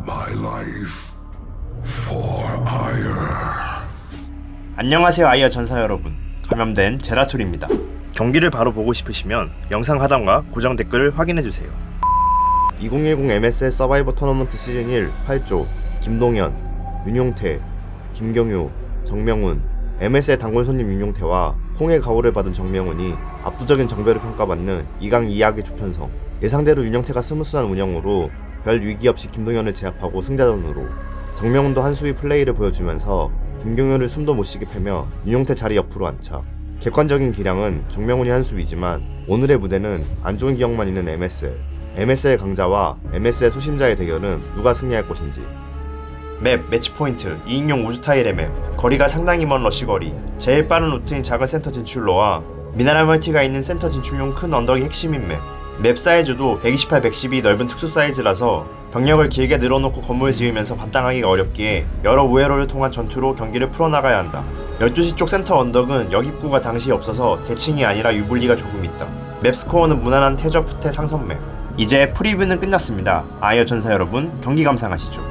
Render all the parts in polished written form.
my life for ire. 안녕하세요 아이어 전사 여러분, 감염된 제라툴입니다. 경기를 바로 보고 싶으시면 영상 하단과 고정 댓글을 확인해주세요. 2010 MSL 서바이버 토너먼트 시즌 1 8조 김동현, 윤용태, 김경유, 정명훈. MSL 단골 손님 윤용태와 홍의 각오를 받은 정명훈이 압도적인 정배로 평가받는 2강 2약의 조편성. 예상대로 윤용태가 스무스한 운영으로 별 위기 없이 김동현을 제압하고 승자전으로, 정명훈도 한수위 플레이를 보여주면서 김경유를 숨도 못 쉬게 패며 윤용태 자리 옆으로 안착. 객관적인 기량은 정명훈이 한수위지만 오늘의 무대는 안 좋은 기억만 있는 MSL 강자와 MSL 소심자의 대결은 누가 승리할 것인지. 맵, 매치 포인트, 2인용 우주 타일의 맵, 거리가 상당히 먼 러쉬거리, 제일 빠른 루트인 작은 센터 진출로와 미네랄 멀티가 있는 센터 진출용 큰 언덕이 핵심인 맵. 맵 사이즈도 128, 112 넓은 특수 사이즈라서 병력을 길게 늘어놓고 건물 지으면서 반땅하기가 어렵기에 여러 우회로를 통한 전투로 경기를 풀어나가야 한다. 12시 쪽 센터 언덕은 역입구가 당시 없어서 대칭이 아니라 유불리가 조금 있다. 맵 스코어는 무난한 태저 푸테 상선 맵. 이제 프리뷰는 끝났습니다. 아이어 전사 여러분, 경기 감상하시죠.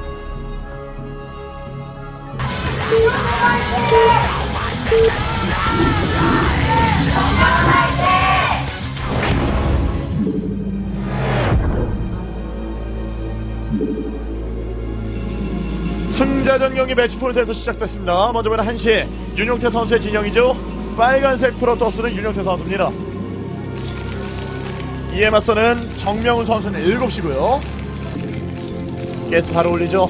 승자전 경기 매치 포인트에서 시작됐습니다. 먼저 보는 1시 윤용태 선수의 진영이죠. 빨간색 프로토스는 윤용태 선수입니다. 이에 맞서는 정명훈 선수는 7시고요. 가스 바로 올리죠.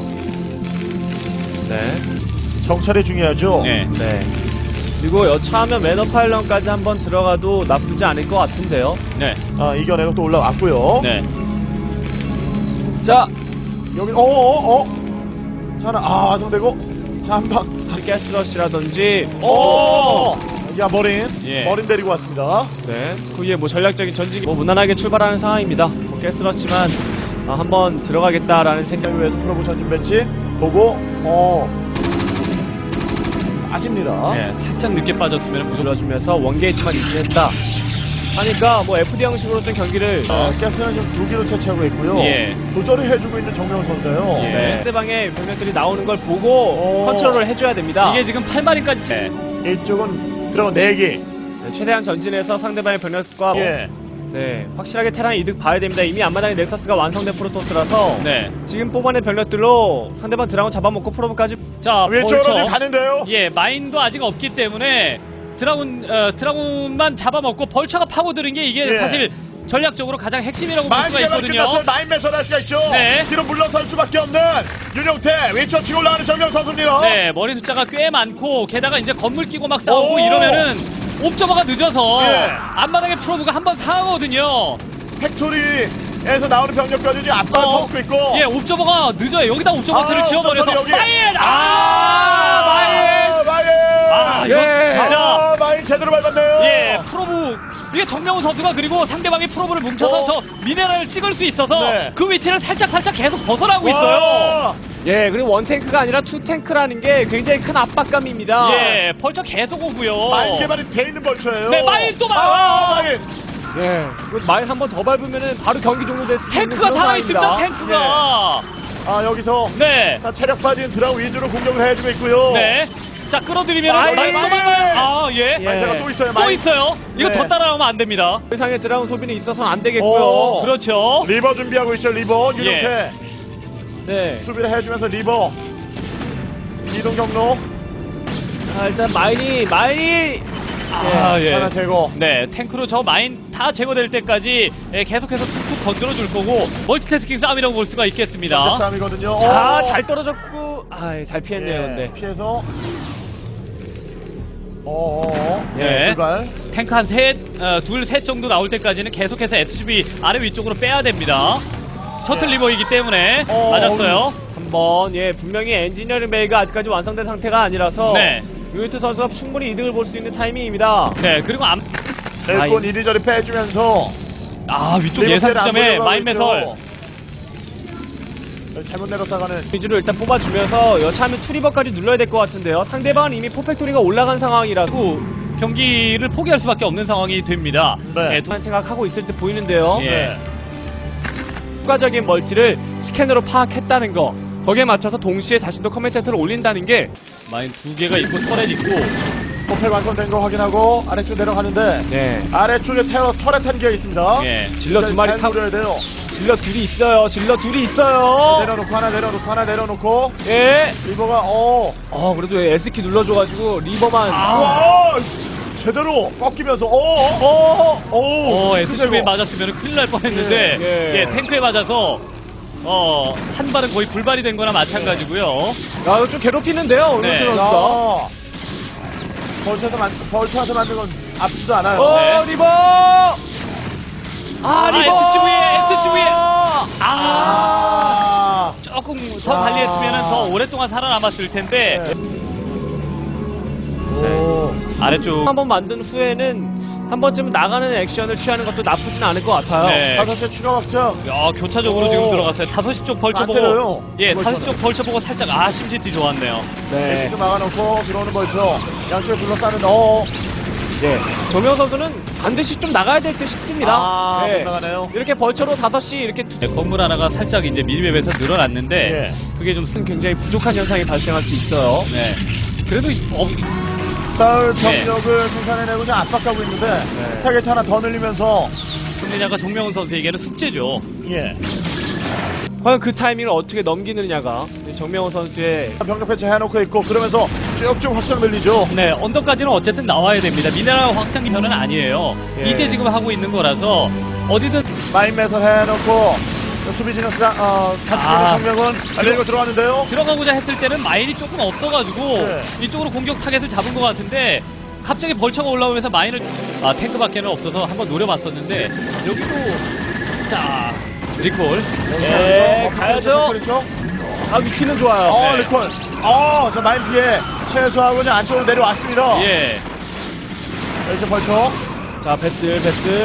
네. 정찰이 중요하죠. 네. 그리고 여차하면 매너파일런까지 한번 들어가도 나쁘지 않을 것 같은데요. 네. 이겨내고 또 올라왔고요. 네. 자, 여기 자나 완성되고 자 한방 가스러시라든지 야 머린 예. 머린 데리고 왔습니다. 네. 그 위에 뭐 전략적인 전직이 뭐 무난하게 출발하는 상황입니다. 뭐 가스러시만 한번 들어가겠다라는 생각을 위해서 프로브 전진 배치 보고 빠집니다. 네, 살짝 늦게 빠졌으면 무서워주면서 원게이트만 유지했다 하니까 뭐 FD 형식으로 좀 경기를 가스는 지금 2기로 채취하고 있고요. 예. 조절을 해주고 있는 정명훈 선수예요. 예. 네. 상대방의 병력들이 나오는 걸 보고 컨트롤을 해줘야 됩니다. 이게 지금 8마리까지 이쪽은 들어간 4기. 네, 최대한 전진해서 상대방의 병력과 예. 네, 확실하게 테란 이득 봐야 됩니다. 이미 앞마당에 넥서스가 완성된 프로토스라서 지금 뽑아낸 병력들로 상대방 드라곤 잡아먹고 프로브까지 왼쪽으로 지금 가는데요. 예, 마인도 아직 없기 때문에 드라군만 잡아먹고 벌처가 파고드는 게 이게 예. 사실 전략적으로 가장 핵심이라고 볼 수가 있거든요. 마인 매설할 수가 있죠. 네. 뒤로 물러설 수밖에 없는 윤용태 왼쪽 치고 올라가는 정명 선수입니다. 네, 머리 숫자가 꽤 많고 게다가 이제 건물 끼고 막 싸우고 오. 이러면은 옵저버가 늦어서 예. 앞마당에 프로브가 한번 상하거든요. 팩토리에서 나오는 병력까지 지금 앞발을 퍼붓고 있고. 예, 옵저버가 늦어요. 여기다 옵저버트를 지어버려서 옵저버는 여기. 마인! 마인. 이거 진짜 마인 제대로 밟았네요. 예, 프로브 이게 정명훈 선수가 그리고 상대방이 프로브를 뭉쳐서 저 미네랄을 찍을 수 있어서 네. 그 위치를 살짝 계속 벗어나고 있어요. 예, 그리고 원탱크가 아니라 투탱크라는 게 굉장히 큰 압박감입니다. 예, 벌써 계속 오고요. 마인 개발이 돼 있는 벌처예요. 네, 마인 또 마인. 예, 마인 한 번 더 밟으면은 바로 경기 종료될 수 있는 탱크가 그런 살아있습니다. 상황입니다. 탱크가. 여기서 네. 자, 체력 빠진 드라우 위주로 공격을 해주고 있고요. 네. 자, 끌어들이면 마인! 예. 마인차가 또 있어요. 또 마인. 있어요. 이거 네. 더 따라오면 안 됩니다. 더 이상의 드라곤 소비는 있어서는 안 되겠고요. 그렇죠. 리버 준비하고 있죠. 리버 윤용태 네. 수비를 해주면서 리버 이동 경로. 일단 마인이 예. 하나 제거. 네, 탱크로 저 마인 다 제거될 때까지 계속해서 툭툭 건드려 줄 거고 멀티태스킹 싸움이라고 볼 수가 있겠습니다. 싸움이거든요. 자, 잘 떨어졌고 잘 피했네요. 근데 피해서 네. 불발. 탱크 한 둘, 셋 정도 나올 때까지는 계속해서 SCB 아래 위쪽으로 빼야 됩니다. 셔틀 리버이기 때문에 맞았어요. 한번 분명히 엔지니어링 베이가 아직까지 완성된 상태가 아니라서 네. 유니트 선수가 충분히 이득을 볼 수 있는 타이밍입니다. 네, 그리고 일꾼 이리저리 빼주면서 위쪽 리버텔 예상 안 지점에 보려고 마인 있죠. 매설. 잘못 내렸다가는 위주로 일단 뽑아주면서 여차하면 투리버까지 눌러야 될 것 같은데요. 상대방은 이미 포팩토리가 올라간 상황이라고 경기를 포기할 수밖에 없는 상황이 됩니다. 네. 한 생각하고 있을 때 보이는데요. 예. 추가적인 멀티를 스캔으로 파악했다는 거. 거기에 맞춰서 동시에 자신도 커맨 센터를 올린다는 게 마인 2개가 있고 터렛 있고. 포팩 완성된 거 확인하고 아래쪽 내려가는데 네. 아래쪽에 터렛 한 개가 있습니다. 예. 질러 두 마리 잘 타고 노려야 돼요. 질러 둘이 있어요. 질러 둘이 있어요. 내려놓고 하나 내려놓고 예. 리버가 그래도 S키 눌러줘가지고 리버만. 와 제대로 꺾이면서 SCV에 맞았으면 큰일 날 뻔했는데 예. 예, 탱크에 맞아서 한 발은 거의 불발이 된 거나 마찬가지고요. 야, 이거 좀 괴롭히는데요. 네. 오늘 선수가. 벌처한테 맞는 건 아프지도 않아요. 네. 리버. 리버. SCV에 아, 조금 더 관리했으면 더 오랫동안 살아남았을 텐데 아래쪽 한번 만든 후에는 한 번쯤 나가는 액션을 취하는 것도 나쁘진 않을 것 같아요. 네. 5시에 추가 확장. 야, 교차적으로 지금 들어갔어요. 5시 쪽 벌쳐 안 때려요. 보고 예, 5시 쪽 벌쳐 보고 살짝 심시티 좋았네요. 네. 좀 막아놓고 들어오는 벌처. 양쪽에 둘러싸는 네. 정명 선수는 반드시 좀 나가야 될 듯 싶습니다. 못 네. 나가네요. 이렇게 벌처로 5시 이렇게 네, 건물 하나가 살짝 이제 미니맵에서 늘어났는데 그게 좀 굉장히 부족한 현상이 발생할 수 있어요. 네. 그래도 싸울 병력을 생산해내고 좀 압박하고 있는데 스타게이트 하나 더 늘리면서 승리자가 정명훈 선수에게는 숙제죠. 과연 그 타이밍을 어떻게 넘기느냐가 정명호 선수의 병력 배치 해놓고 있고 그러면서 쭉쭉 확장 늘리죠. 네, 언덕까지는 어쨌든 나와야 됩니다. 미네랄 확장 기편은 아니에요. 예. 이제 지금 하고 있는 거라서 어디든 마인 매설 해놓고 수비 진영 같이 있는 정명은 달리고 들어왔는데요. 들어가고자 했을 때는 마인이 조금 없어가지고 네. 이쪽으로 공격 타겟을 잡은 것 같은데 갑자기 벌처가 올라오면서 마인을 탱크밖에는 없어서 한번 노려봤었는데 여기도 자 리콜 가야죠. 그렇죠. 위치는 좋아요. 네. 리콜. 자 마인 피해 최소하고 이제 안쪽으로 내려왔습니다. 예. 이제 벌쳐. 자, 베슬.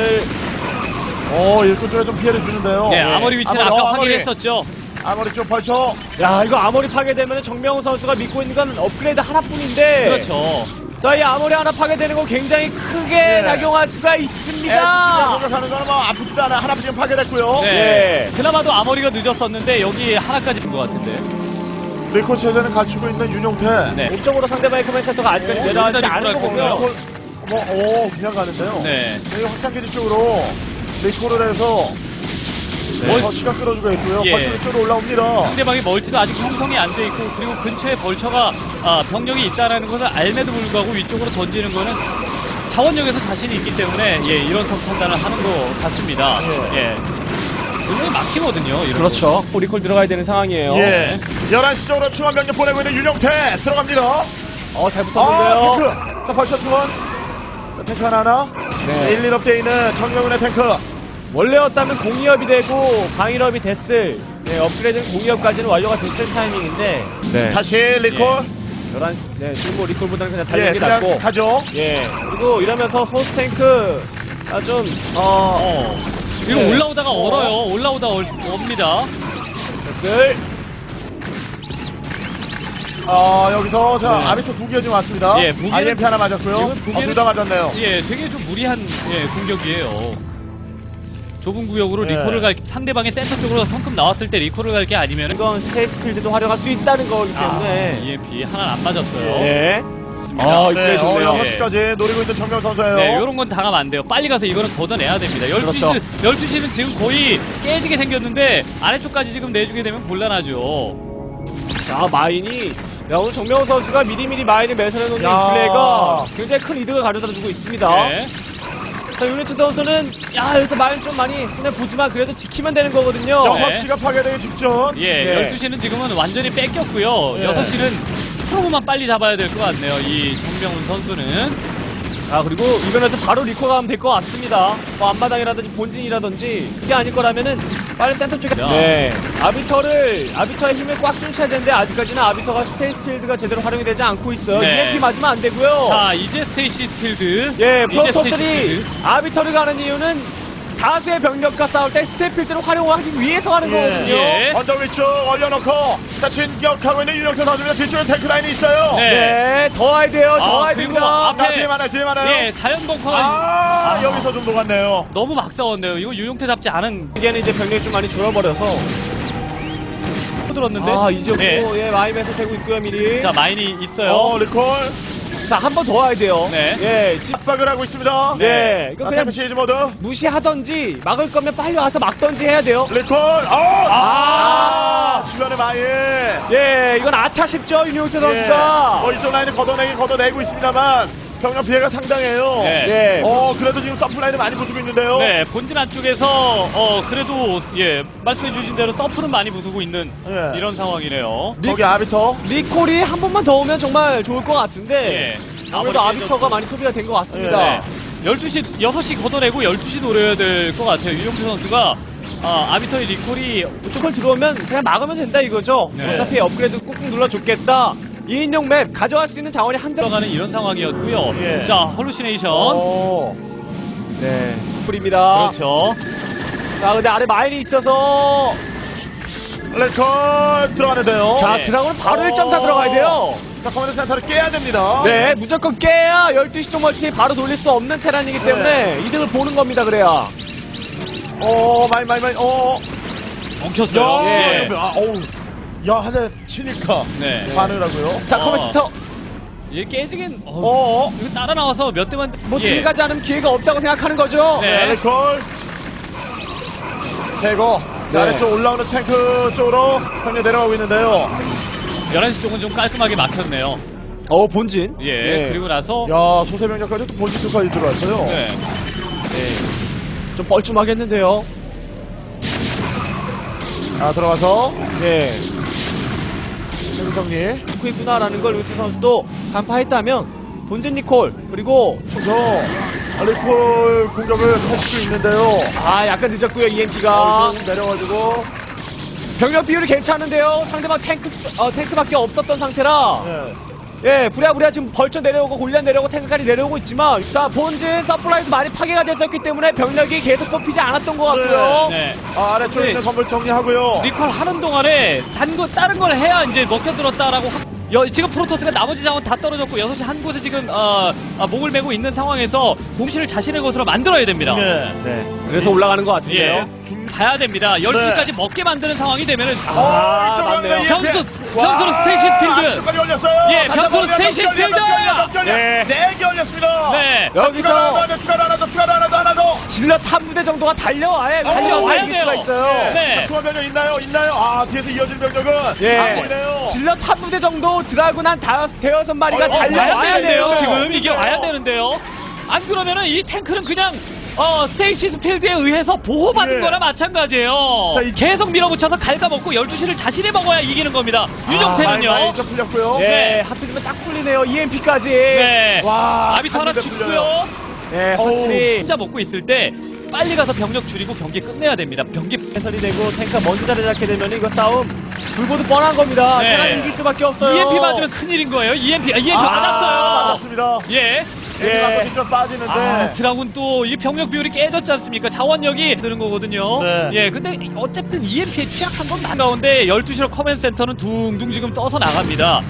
일꾼 쪽에 좀 피해를 주는데요. 네, 아머리 위치는 아머리, 아까 아머리. 확인했었죠. 아머리 쪽 벌쳐. 야, 이거 아머리 파괴되면 정명호 선수가 믿고 있는 건 업그레이드 하나뿐인데. 그렇죠. 자, 이 아머리 하나 파괴되는 거 굉장히 크게 작용할 수가 있습니다. SC가 공격하는 거는 뭐 아프지도 않아. 하나 지금 파괴됐고요. 네. 그나마도 아머리가 늦었었는데 여기 하나까지 본 것 같은데. 리콜 체제는 갖추고 있는 윤용태. 네. 목적으로 상대방의 커맨 센터가 아직까지 내려가지 여기까지 않은 들어갈 거고요. 거고요. 그냥 가는데요. 네. 여기 확장기지 쪽으로 리콜을 해서 더 시간 끌어주고 있고요. 예. 벌쳐 쪽으로 올라옵니다. 상대방의 멀티도 아직 형성이 안 돼 있고 그리고 근처에 벌처가 병력이 있다라는 것을 알매도 불구하고 위쪽으로 던지는 거는 자원력에서 자신이 있기 때문에 이런 선 판단을 하는 것 같습니다. 예. 굉장히 막히거든요. 이런 그렇죠. 리콜 들어가야 되는 상황이에요. 예. 11시 쪽으로 중앙 병력 보내고 있는 윤용태 들어갑니다. 잘 붙었는데요. 탱크. 자, 벌쳐 중원. 자, 탱크 하나. 네. 1, 1업대에 있는 정명훈의 탱크. 원래였다면 공이업이 되고 방일업이 됐을 업그레이드는 공이업까지는 완료가 됐을 타이밍인데 다시 리콜. 11, 지금 뭐 리콜보다는 그냥 예, 달리는 게 그냥 낫고 가죠. 그리고 이러면서 소스탱크 그리고 올라오다가 얼어요. 올라오다가 옵니다. 됐을 여기서 아비토 2개 지금 왔습니다. 예, 무기는- IMP 하나 맞았고요. 지금 무기는- 둘 다 맞았네요. 되게 좀 무리한 공격이에요. 좁은 구역으로 예. 리콜을 상대방의 센터 쪽으로 성큼 나왔을 때 리콜을 갈 게 아니면 이건 스테이스 필드도 활용할 수 있다는 거기 때문에 EMP 하나는 안 맞았어요. 네. 좋습니다. 이게 좋네요. 6시까지 노리고 있는 정명 선수예요. 네, 이런 건 당하면 안 돼요. 빨리 가서 이거는 걷어내야 됩니다. 12시는, 그렇죠. 12시는 지금 거의 깨지게 생겼는데 아래쪽까지 지금 내주게 되면 곤란하죠. 자, 마인이 오늘 정명호 선수가 미리미리 마인을 매설해놓는 이 야. 플레이가 굉장히 큰 이득을 가져다주고 있습니다. 네. 자, 유니트 선수는 여기서 마인 좀 많이 손해보지만 그래도 지키면 되는 거거든요. 6시가 파괴되기 직전. 예, 네. 12시는 지금은 완전히 뺏겼고요. 네. 6시는 프로만 빨리 잡아야 될 것 같네요. 이 정명훈 선수는. 자, 그리고 이번에도 바로 리콜 가면 될 것 같습니다. 뭐 앞마당이라든지 본진이라든지 그게 아닐 거라면은 빨리 센터 쪽에 아비터의 힘을 꽉 쫓아야 되는데 아직까지는 아비터가 스테이스 필드가 제대로 활용이 되지 않고 있어요. 네. EMP 맞으면 안 되고요. 자, 이제 스테이시 스필드. 예, 이제 스테이시 프로토스들이 스필드. 아비터를 가는 이유는 다수의 병력과 싸울 때 스테이스 필드를 활용하기 위해서 하는 거거든요. 예. 언덕 위쪽 올려놓고 자 진격하고 있는 윤영태 선수입니다. 뒤쪽에 탱크 라인이 있어요. 네. 네, 더 와야 돼요. 더 와야 그리고 됩니다. 앞에- 뒤에 많아요. 예, 자연 벙커가 여기서 좀 녹았네요. 너무 막 싸웠네요. 이거 유용태답지 않은. 이게는 이제 병력이 좀 많이 줄어버려서 들었는데. 아, 이제 네. 예, 마임에서 되고 있고요, 미리. 자, 마인이 있어요. 리콜. 자, 한 번 더 와야 돼요. 네. 예, 압박을 하고 있습니다. 네. 이거 그냥 템프 시리즈 모드. 무시하던지 막을 거면 빨리 와서 막던지 해야 돼요. 리콜. 주변에 마인. 예, 이건 아차 싶죠, 윤용태 선수가. 이쪽 라인을 걷어내고 있습니다만 병력 피해가 상당해요. 네. 예. 그래도 지금 서플라인을 많이 부수고 있는데요. 네, 본진 안쪽에서 그래도 예 말씀해주신 대로 서프는 많이 부수고 있는 예. 이런 상황이네요. 거기 아비터. 리콜이 한 번만 더 오면 정말 좋을 것 같은데. 예. 아무래도 아무리 아비터가 많이 소비가 된 것 같습니다. 네. 12시, 6시 걷어내고 12시 노려야 될 것 같아요. 윤용태 선수가 아비터의 리콜이 무조건 들어오면 그냥 막으면 된다 이거죠. 네. 어차피 업그레이드 꾹꾹 눌러줬겠다. 2인용 맵 가져갈 수 있는 자원이 한정. 들어가는 이런 상황이었고요. 예. 자, 헐루시네이션. 네. 뿌립니다. 그렇죠. 자, 근데 아래 마인이 있어서. 리콜 들어가는데요. 자, 네. 드라곤은 바로 1.4 들어가야 돼요. 자, 커맨드 센터를 깨야 됩니다. 네, 무조건 깨야 12시 쪽 멀티 바로 돌릴 수 없는 테란이기 때문에 이득을 보는 겁니다, 그래야. 마인. 엉켰어요. 예. 한 대 치니까 네. 반을 하고요. 자, 커맨스터. 이게 깨지긴, 이거 따라 나와서 몇 대만. 뭐 예. 질 가지 않으면 기회가 없다고 생각하는 거죠. 네. 리콜 제거. 자, 네. 아래쪽 올라오는 탱크 쪽으로 병력 내려가고 있는데요. 11시 쪽은 좀 깔끔하게 막혔네요. 본진. 예. 네. 그리고 나서. 야, 소세병력까지 또 본진 쪽까지 들어왔어요. 네. 좀 뻘쭘하겠는데요. 들어가서 네. 정리. 듣고 있구나라는 걸 루트 선수도 간파했다면 본진 니콜 그리고 리콜 공격을 할 수 있는데요. 약간 늦었고요 EMP가 좀 내려가지고. 병력 비율이 괜찮은데요. 상대방 탱크밖에 없었던 상태라 부랴부랴 지금 벌쳐 내려오고 골리앗 내려오고 탱크까지 내려오고 있지만 자 본진 서플라이도 많이 파괴가 됐었기 때문에 병력이 계속 뽑히지 않았던 것 같고요. 네. 아래쪽에 네. 있는 건물 정리하고요. 리콜 하는 동안에 다른 걸 해야 이제 먹혀들었다라고 지금 프로토스가 나머지 자원 다 떨어졌고 6시 한 곳에 지금 목을 메고 있는 상황에서 공신을 자신의 것으로 만들어야 됩니다. 네. 그래서 올라가는 것 같은데요. 예. 가야 됩니다. 12시까지 먹게 만드는 상황이 되면은 이쪽으로 맞네요. 가는 변수로 스테이시스 필드. 쪽까지 올렸어요. 예, 변수로 스테이시스 필드. 네. 4개 올렸습니다. 네. 여기서 추가로 하나 더. 질럿 한 부대 정도가 달려와야 달려와야 이길 수가 돼요. 있어요. 네. 자, 추가 병력 있나요? 뒤에서 이어질 병력은 안 보이네요. 질럿 한 부대 정도 드라군 한 대여섯 마리가 와야 달려와야 되는데요. 돼요. 지금 이게 와야 되는데요. 안 그러면은 이 탱크는 그냥 스테이시스 필드에 의해서 보호받은 예. 거나 마찬가지예요. 자, 계속 밀어붙여서 갉아먹고 12시를 자신이 먹어야 이기는 겁니다. 윤용태는요. 많이 좀 풀렸고요. 네, 하필이면 딱 풀리네요. EMP까지. 네. 와, 아비터 하나 한 군데 풀려요. 죽고요. 네, 확실히 혼자 먹고 있을 때 빨리 가서 병력 줄이고 경기 끝내야 됩니다. 경기 해설이 되고 탱크가 먼저 자리 잡게 되면 이거 싸움 불보도 뻔한 겁니다. 네. 테란이 이길 수밖에 없어요. EMP 맞으면 큰일인 거예요. EMP 맞았어요. 맞았습니다. 예. 예. 뒤쪽 빠지는데. 드라군 또 이 병력 비율이 깨졌지 않습니까? 자원력이 드는 거거든요. 네. 예, 근데 어쨌든 EMP에 취약한 건 가운데 12시로 커맨 센터는 둥둥 지금 떠서 나갑니다.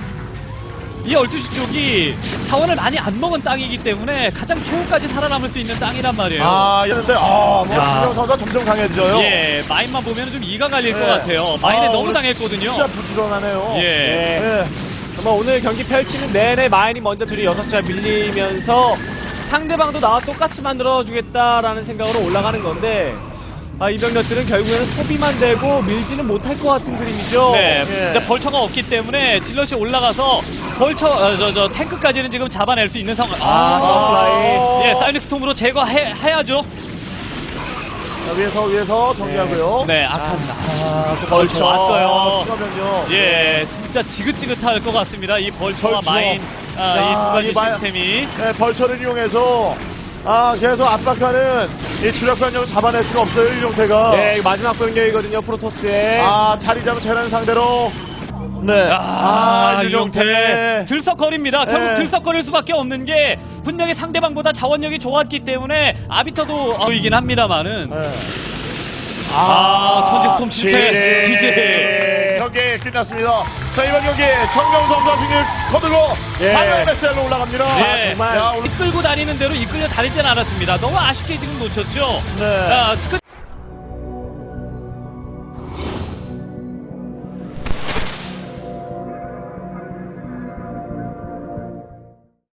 이 12시 쪽이 자원을 많이 안 먹은 땅이기 때문에 가장 최후까지 살아남을 수 있는 땅이란 말이에요. 이랬는데, 신경 선수가 점점 강해져요. 예, 마인만 보면 좀 이가 갈릴 네. 것 같아요. 마인에 너무 오늘 당했거든요. 진짜 부지런하네요. 예. 예. 정말 오늘 경기 펼치는 내내 마인이 먼저 둘이 6시가 밀리면서 상대방도 나와 똑같이 만들어주겠다라는 생각으로 올라가는 건데 이 병력들은 결국에는 소비만 되고 밀지는 못할 것 같은 그림이죠. 네, 예. 근데 벌처가 없기 때문에 질럿이 올라가서 벌처 탱크까지는 지금 잡아낼 수 있는 상황. 서플라이. 예, 사이닉 스톰으로 제거해야죠. 자, 위에서 정리하고요. 네, 아깝다. 또 벌쳐 왔어요. 추가면요. 예, 진짜 지긋지긋할 것 같습니다. 이 벌처와 벌쳐. 마인, 이 두 가지 이 마인. 시스템이. 네, 벌처를 이용해서 계속 압박하는 이 주력 병력을 잡아낼 수가 없어요, 이용태가. 네, 이거 마지막 병력이거든요. 프로토스의. 자리 잡은 테란 상대로. 네. 윤용태 들썩거립니다. 결국 네. 들썩거릴 수밖에 없는 게 분명히 상대방보다 자원력이 좋았기 때문에 아비터도 보이긴 합니다만은 네. 천지 스톰 실패. 지지. 경기 끝났습니다. 자, 이번 경기 정명훈 선수가 승리를 거두고 바로 MSL로 올라갑니다. 예. 정말. 이끌고 다니는 대로 이끌려 다니진 않았습니다. 너무 아쉽게 지금 놓쳤죠. 네. 끝